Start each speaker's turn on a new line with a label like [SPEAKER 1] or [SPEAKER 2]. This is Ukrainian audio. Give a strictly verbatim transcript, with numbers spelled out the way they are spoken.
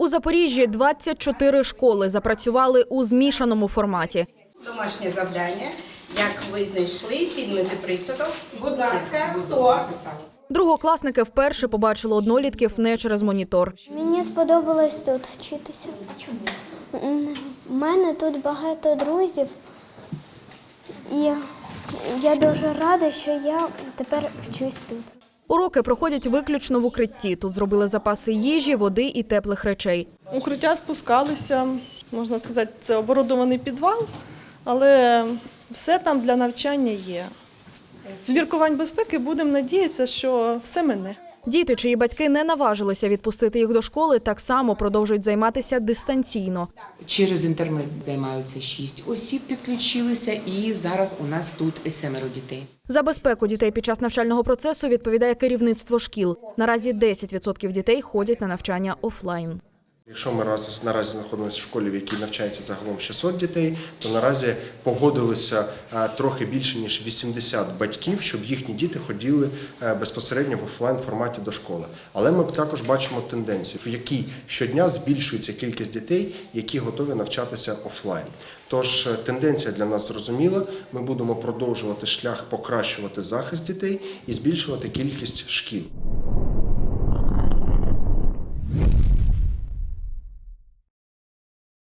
[SPEAKER 1] У Запоріжжі двадцять чотири школи запрацювали у змішаному форматі.
[SPEAKER 2] Домашнє завдання, як ви знайшли, підмити присудок. Будь ласка, хто?
[SPEAKER 1] Другокласники вперше побачили однолітків не через монітор.
[SPEAKER 3] Мені сподобалось тут вчитися. Чому? У мене тут багато друзів, і я дуже рада, що я тепер вчусь тут.
[SPEAKER 1] Уроки проходять виключно в укритті. Тут зробили запаси їжі, води і теплих речей.
[SPEAKER 4] Укриття спускалися, можна сказати, це оборудований підвал, але все там для навчання є. З міркувань безпеки будемо надіятися, що все мине.
[SPEAKER 1] Діти, чиї батьки не наважилися відпустити їх до школи, так само продовжують займатися дистанційно.
[SPEAKER 5] Через інтернет займаються шість осіб, підключилися, і зараз у нас тут семеро дітей.
[SPEAKER 1] За безпеку дітей під час навчального процесу відповідає керівництво шкіл. Наразі десять відсотків дітей ходять на навчання офлайн.
[SPEAKER 6] Якщо ми раз, наразі знаходимося в школі, в якій навчається загалом шістсот дітей, то наразі погодилося а, трохи більше, ніж вісімдесят батьків, щоб їхні діти ходили а, безпосередньо в офлайн-форматі до школи. Але ми також бачимо тенденцію, в якій щодня збільшується кількість дітей, які готові навчатися офлайн. Тож тенденція для нас зрозуміла, ми будемо продовжувати шлях покращувати захист дітей і збільшувати кількість шкіл.